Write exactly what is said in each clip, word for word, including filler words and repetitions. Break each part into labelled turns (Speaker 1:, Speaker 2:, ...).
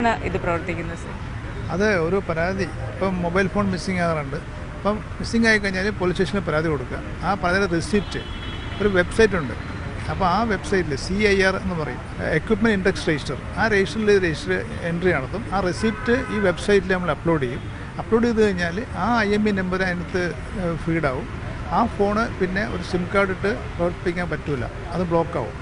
Speaker 1: ഇത് പ്രവർത്തിക്കുന്നത് സർ?
Speaker 2: അത് ഒരു പരാതി ഇപ്പം മൊബൈൽ ഫോൺ മിസ്സിംഗ് ആകാറുണ്ട്. അപ്പം മിസ്സിംഗ് ആയി കഴിഞ്ഞാൽ പോലീസ് സ്റ്റേഷനിൽ പരാതി കൊടുക്കുക. ആ പരാതിയുടെ റിസിപ്റ്റ് ഒരു വെബ്സൈറ്റ് ഉണ്ട്. അപ്പോൾ ആ വെബ്സൈറ്റിൽ സി ഐ ആർ എന്ന് പറയും, എക്വിപ്മെൻറ്റ് ഇൻഡെക്സ് രജിസ്റ്റർ, ആ രജിസ്റ്ററിൽ രജിസ്റ്റർ എൻട്രി നടത്തും. ആ റെസിപ്റ്റ് ഈ വെബ്സൈറ്റിൽ നമ്മൾ അപ്ലോഡ് ചെയ്യും. അപ്ലോഡ് ചെയ്ത് കഴിഞ്ഞാൽ ആ ഐ എം ഇ നമ്പർ അതിനകത്ത് ഫീഡാവും. ആ ഫോണ് പിന്നെ ഒരു സിം കാർഡ് ഇട്ട് പ്രവർത്തിപ്പിക്കാൻ പറ്റില്ല, അത് ബ്ലോക്കാവും.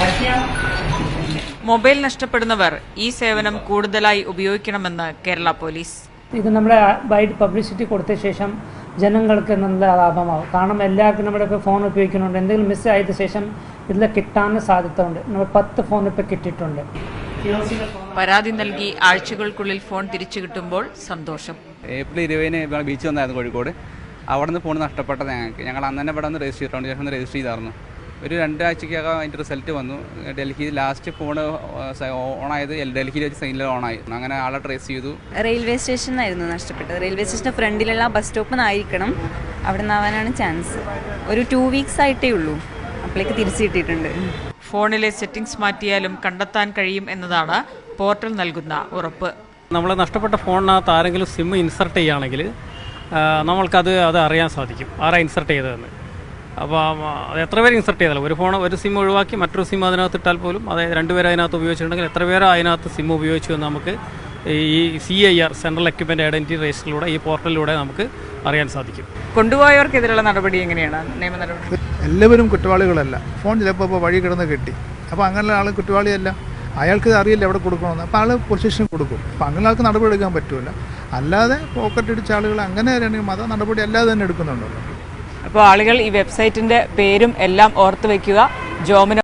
Speaker 1: മൊബൈൽ നഷ്ടപ്പെടുന്നവർ ഈ സേവനം കൂടുതലായി ഉപയോഗിക്കണമെന്ന് കേരള പോലീസ്.
Speaker 3: ഇത് നമ്മുടെ വൈഡ് പബ്ലിസിറ്റി കൊടുത്ത ശേഷം ജനങ്ങൾക്ക് നല്ല ലാഭമാവും. കാരണം എല്ലാവർക്കും നമ്മുടെ ഇപ്പോൾ ഫോൺ ഉപയോഗിക്കുന്നുണ്ട്. എന്തെങ്കിലും മിസ് ആയതിനു ശേഷം ഇതിൽ കിട്ടാൻ സാധ്യത ഉണ്ട്. നമ്മൾ പത്ത് ഫോൺ ഇപ്പോൾ കിട്ടിയിട്ടുണ്ട്.
Speaker 1: പരാതി നൽകി ആഴ്ചകൾക്കുള്ളിൽ ഫോൺ തിരിച്ചു കിട്ടുമ്പോൾ സന്തോഷം.
Speaker 4: ഏപ്രിൽ ഇരുപതിന് ബീച്ച് വന്നായിരുന്നു കോഴിക്കോട്. അവിടെ നിന്ന് ഫോൺ നഷ്ടപ്പെട്ടത് ഞങ്ങൾക്ക്. ഞങ്ങൾ അന്ന് തന്നെ ഇവിടെ നിന്ന് രജിസ്റ്റർ ചെയ്തിട്ടുണ്ട്. ശേഷം രജിസ്റ്റർ ചെയ്തായിരുന്നു. ഒരു രണ്ടാഴ്ചക്കകം അതിൻ്റെ റിസൾട്ട് വന്നു. ഡൽഹി ലാസ്റ്റ് ഫോൺ ഓണായത് ഡൽഹിയിൽ വെച്ച് സൈനിൽ ഓണായി. അങ്ങനെ ആളെ ട്രേസ് ചെയ്തു.
Speaker 5: റെയിൽവേ സ്റ്റേഷനായിരുന്നു നഷ്ടപ്പെട്ടത്. റെയിൽവേ സ്റ്റേഷൻ്റെ ഫ്രണ്ടിലുള്ള ബസ് സ്റ്റോപ്പിൽ നിന്നായിരിക്കണം. അവിടെ നിന്നാവാനാണ് ചാൻസ്. ഒരു ടു വീക്സ് ആയിട്ടേ ഉള്ളൂ. അപ്പോഴേക്ക് തിരിച്ചു കിട്ടിയിട്ടുണ്ട്.
Speaker 1: ഫോണിലെ സെറ്റിംഗ്സ് മാറ്റിയാലും കണ്ടെത്താൻ കഴിയും എന്നതാണ് പോർട്ടൽ നൽകുന്ന ഉറപ്പ്.
Speaker 6: നമ്മൾ നഷ്ടപ്പെട്ട ഫോണിനകത്ത് ആരെങ്കിലും സിം ഇൻസർട്ട് ചെയ്യുകയാണെങ്കിൽ നമ്മൾക്കത് അത് അറിയാൻ സാധിക്കും, ആരാ ഇൻസർട്ട് ചെയ്തതെന്ന്. അപ്പോൾ അത് എത്ര പേര് ഇൻസർട്ട് ചെയ്താലും ഒരു ഫോൺ ഒരു സിം ഒഴിവാക്കി മറ്റൊരു സിം അതിനകത്ത് ഇട്ടാൽ പോലും അതായത് രണ്ടുപേർ അതിനകത്ത് ഉപയോഗിച്ചിട്ടുണ്ടെങ്കിൽ എത്ര പേര് അതിനകത്ത് സിം ഉപയോഗിച്ചു എന്ന് നമുക്ക് ഈ C I R central equipment identity രജിസ്റ്ററിലൂടെ ഈ പോർട്ടലിലൂടെ നമുക്ക് അറിയാൻ സാധിക്കും.
Speaker 1: കൊണ്ടുപോയവർക്കെതിരെയുള്ള നടപടി എങ്ങനെയാണ് നിയമ നടപടി?
Speaker 2: എല്ലാവരും കുറ്റവാളികളല്ല. ഫോൺ ചിലപ്പോൾ ഇപ്പോൾ വഴി കിടന്ന് കിട്ടി. അപ്പോൾ അങ്ങനെയുള്ള ആൾ കുറ്റവാളിയല്ല. അയാൾക്ക് അറിയില്ല എവിടെ കൊടുക്കണമെന്ന്. അപ്പോൾ ആൾ പോലീസ് സ്റ്റേഷനിൽ കൊടുക്കും. അപ്പോൾ അങ്ങനെ ആൾക്ക് നടപടി എടുക്കാൻ പറ്റില്ല. അല്ലാതെ പോക്കറ്റ് അടിച്ച ആളുകൾ അങ്ങനെ ആണെങ്കിൽ മത നടപടി അല്ലാതെ തന്നെ എടുക്കുന്നുണ്ടല്ലോ.
Speaker 1: അപ്പോൾ ആളുകൾ ഈ വെബ്സൈറ്റിൻ്റെ പേരും എല്ലാം ഓർത്ത് വയ്ക്കുക. ജോമിനോ